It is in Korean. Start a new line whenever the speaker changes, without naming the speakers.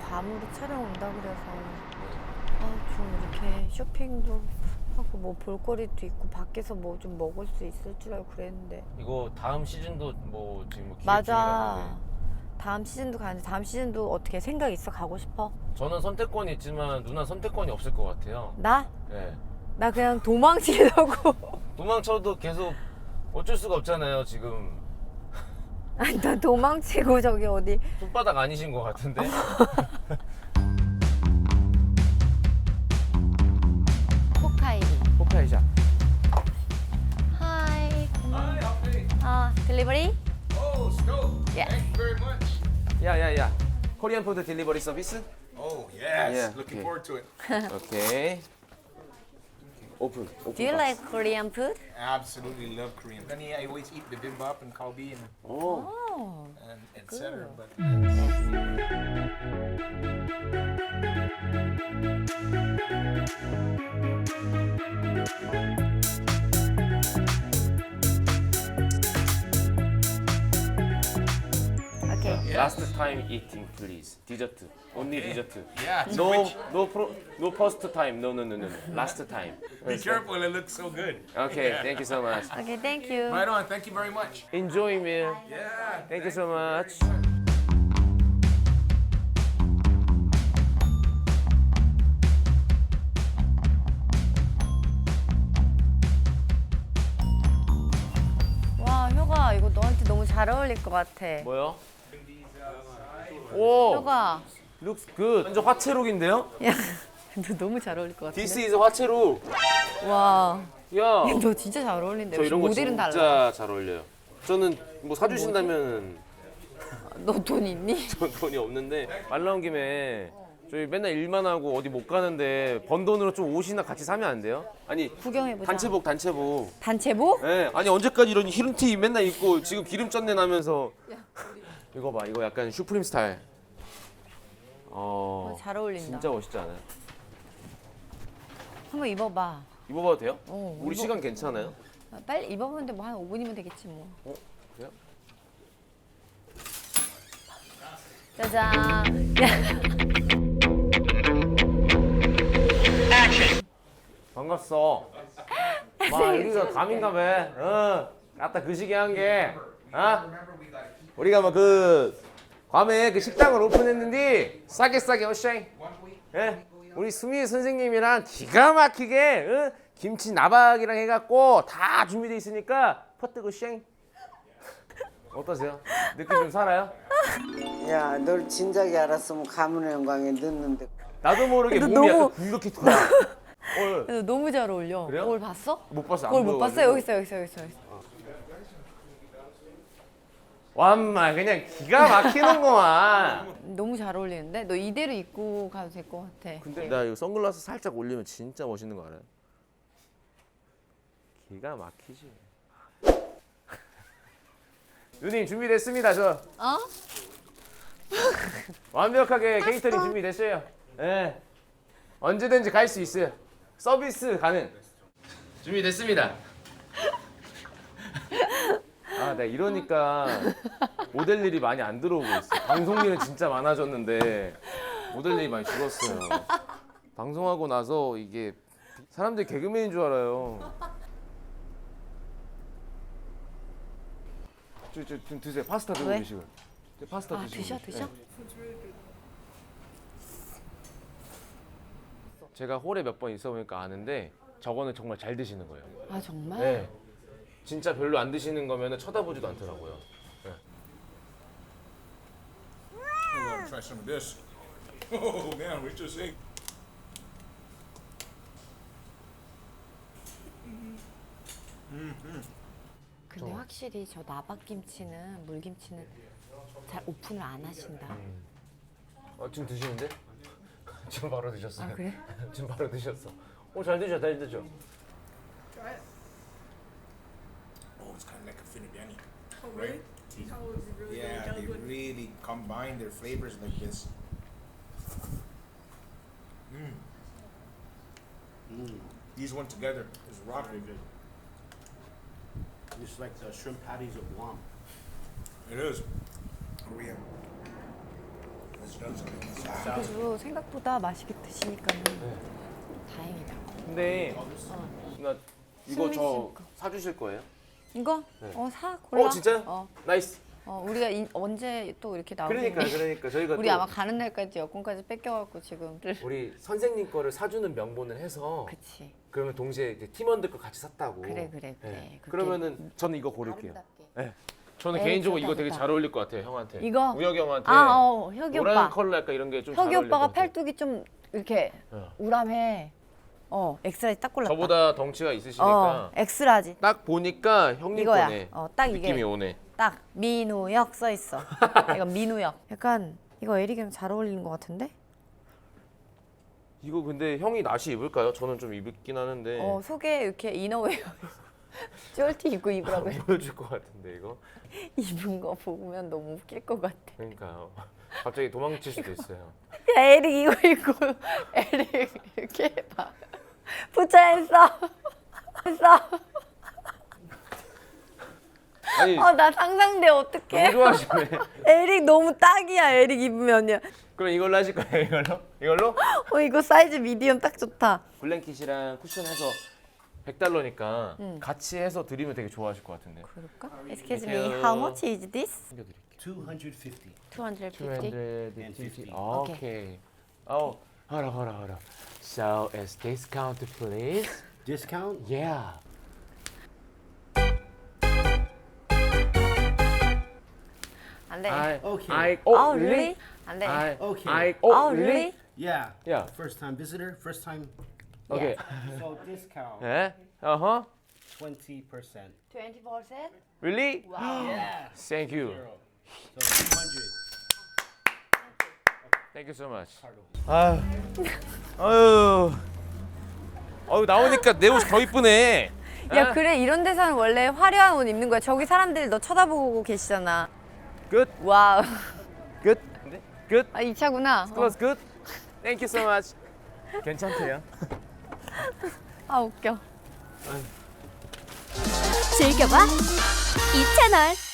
밤으로 촬영 온다 그래서 좀 이렇게 쇼핑도 하고 뭐 볼거리도 있고 밖에서 뭐 좀 먹을 수 있을 줄 알고 그랬는데.
이거 다음 시즌도 뭐 지금 뭐 기획
맞아.
중이라는데.
다음 시즌도 가는데 다음 시즌도 어떻게 생각 있어? 가고 싶어?
저는 선택권이 있지만 누나 선택권이 없을 것 같아요.
나?
네.
나 그냥 도망치려고.
도망쳐도 계속 어쩔 수가 없잖아요. 지금
아니 나 도망치고 저기 어디
손바닥 아니신 것 같은데.
호카이도.
호카이샤.
하이.
Hi, Alfie.
딜리버리?
Oh, Scope.
Yes.
Thank you very much.
야야야. 코리안 푸드 딜리버리 서비스?
Oh, yes.
Yeah,
Looking
okay.
forward to it.
오케이. 오픈.
Do you like Korean food?
Absolutely love Korean. Honey, I always eat bibimbap and kalbi
오.
and etc. But
오케이.
Last time eating, please. 디저트. Only 디저트.
yeah, it's
No,
rich.
no first time. No. Last time.
Be careful, it looks so good.
Okay, thank you so much.
오케이, thank you.
Right on. Thank you very much.
Enjoy meal.
Yeah.
Thank you so much.
와, 효가 이거 너한테 너무 잘 어울릴 것 같아.
뭐요? 오,
효가,
looks good. 완전 화채룩인데요?
야, 너 너무 잘 어울릴 것 같은데?
This is 화채룩.
와,
야,
너 진짜 잘 어울린다.
저 이런 거
모델은
진짜
달라.
잘 어울려요. 저는 뭐 사주신다면
너 돈 있니?
전 돈이 없는데 말 나온 김에 저희 맨날 일만 하고 어디 못 가는데 번 돈으로 좀 옷이나 같이 사면 안 돼요? 아니
구경해보자.
단체복.
단체복?
예, 아니 언제까지 이런 히름티 맨날 입고 지금 기름 쩐내 나면서 이거 봐, 이거 약간 슈프림 스타일.
잘 어울린다.
진짜 멋있지 않아요?
한번 입어봐.
입어봐도 돼요? 우리
입어.
시간 괜찮아요?
빨리 입어보는데 뭐 한 5분이면 되겠지 뭐.
그래요?
짜잔.
반갑어. 마 여기가 감인가 봐. 아따 그 시기 한 게. 우리가 뭐 그 괌에 그 식당을 오픈했는데 싸게 어쉥. 예? 우리 수미 선생님이랑 기가 막히게 김치 나박이랑 해갖고 다 준비돼 있으니까 퍼뜨고 쉥. 어떠세요? 느낌 좀 살아요?
야, 널 진작에 알았으면 가문의 영광에 넣는데.
나도 모르게
근데
몸이
너무-
약간 굴욕해 돌아.
너 너무 잘 어울려.
그래요?
거울 봤어?
못 봤어. 안
거울 못 봤어?
보여가지고.
여기 있어.
완마 그냥 기가 막히는구만.
너무 잘 어울리는데? 너 이대로 입고 가도 될 것 같아.
근데 나 이거 선글라스 살짝 올리면 진짜 멋있는 거 알아요? 기가 막히지. 누님 준비됐습니다. 저
어?
완벽하게 케이터링 준비됐어요. 예. 언제든지 갈 수 있어요. 서비스 가능. 준비됐습니다. 아, 내가 이러니까 모델 일이 많이 안 들어오고 있어. 방송 일은 진짜 많아졌는데 모델 일이 많이 줄었어요. 방송하고 나서 이게 사람들이 개그맨인 줄 알아요. 좀 드세요. 파스타 들고
왜?
계시고. 파스타
아,
드시고.
드셔?
네. 제가 홀에 몇 번 있어 보니까 아는데 저거는 정말 잘 드시는 거예요.
아, 정말?
네. 진짜 별로 안 드시는 거면 쳐다보지도 않더라고요. 네.
I'm gonna try some of this. Oh man, we just ate.
근데 확실히 저 나박김치는 물김치는 잘 오픈을 안 하신다.
지금 드시는데? 지금 바로 드셨어요.
아, 그래?
지금 바로 드셨어. 잘 드셔.
Oh, it's kind of like a finibiani.
Oh, really?
Right?
Oh, is it really
Yeah, they really combine their flavors like this. These one together is rocking.
It's like the shrimp patties of Guam.
It is. Korean. It's
그래도 생각보다 맛있게 드시니까는 다행이다.
근데 나 이거 저
숨
사주실 거예요?
이거?
네.
사 골라.
진짜요? 나이스.
우리가 언제 또 이렇게 나오겠니?
그러니까 저희가
우리
또
아마 가는 날까지 여권까지 뺏겨갖고 지금.
우리 선생님 거를 사주는 명분을 해서
그치.
그러면 동시에 이제 팀원들 거 같이 샀다고.
그래.
네.
그렇게
그러면은 저는 이거 고를게요.
아름답게.
네. 저는
에이,
개인적으로
좋다,
이거 되게
좋다.
잘 어울릴 것 같아요, 형한테.
이거?
우혁이 형한테.
혁이
노란
오빠.
컬러 약간 이런 게 좀 잘
혁이
어울릴 것
오빠가
같아요.
팔뚝이 좀 이렇게 우람해. 엑스라지 딱 골랐다.
저보다 덩치가 있으시니까
엑스라지.
딱 보니까 형님
이거야.
거네.
딱 이게.
느낌이 오네.
딱 민우혁 써 있어. 이거 민우혁. 약간 이거 에릭이랑 잘 어울리는 것 같은데?
이거 근데 형이 나시 입을까요? 저는 좀 입긴 하는데
속에 이렇게 이너웨어 쫄티 입고 입으라고 해.
보여줄 것 같은데 이거.
입은 거 보면 너무 웃길 것 같아.
그러니까요. 갑자기 도망칠 수도 있어요.
야, 에릭 이거 입고 에릭 이렇게 해봐. 부처했어. 했어.
아니
나 상상돼 어떡해.
너무 좋아하시네.
에릭 너무 딱이야. 에릭 입으면요.
그럼 이걸로 하실 거예요? 이걸로? 이걸로?
이거 사이즈 미디엄 딱 좋다.
블랭킷이랑 쿠션 해서 $100니까 같이 해서 드리면 되게 좋아하실 것 같은데.
그럴까? Excuse me,
Thank you.
how much is this?
챙겨드릴게요.
250.
250.
오케이. hold on. So is discount please?
Discount?
Yeah.
안 돼.
Okay.
really? 안 돼.
Okay.
really?
Yeah.
Yeah.
First time visitor, first time.
Okay.
So discount
예? Uh-huh.
20%.
20%?
Really?
Yeah.
Thank you.
So 200.
Thank you so much. 아유 나오니까 내 옷이 더 이쁘네.
야, 그래. 이런 데서는 원래 화려한 옷 입는 거야. 저기 사람들이 너 쳐다보고 계시잖아.
Good.
와우.
Good. Good.
이 차구나.
Close good. Thank you so much. 괜찮대요.
웃겨.
즐겨봐 이 채널.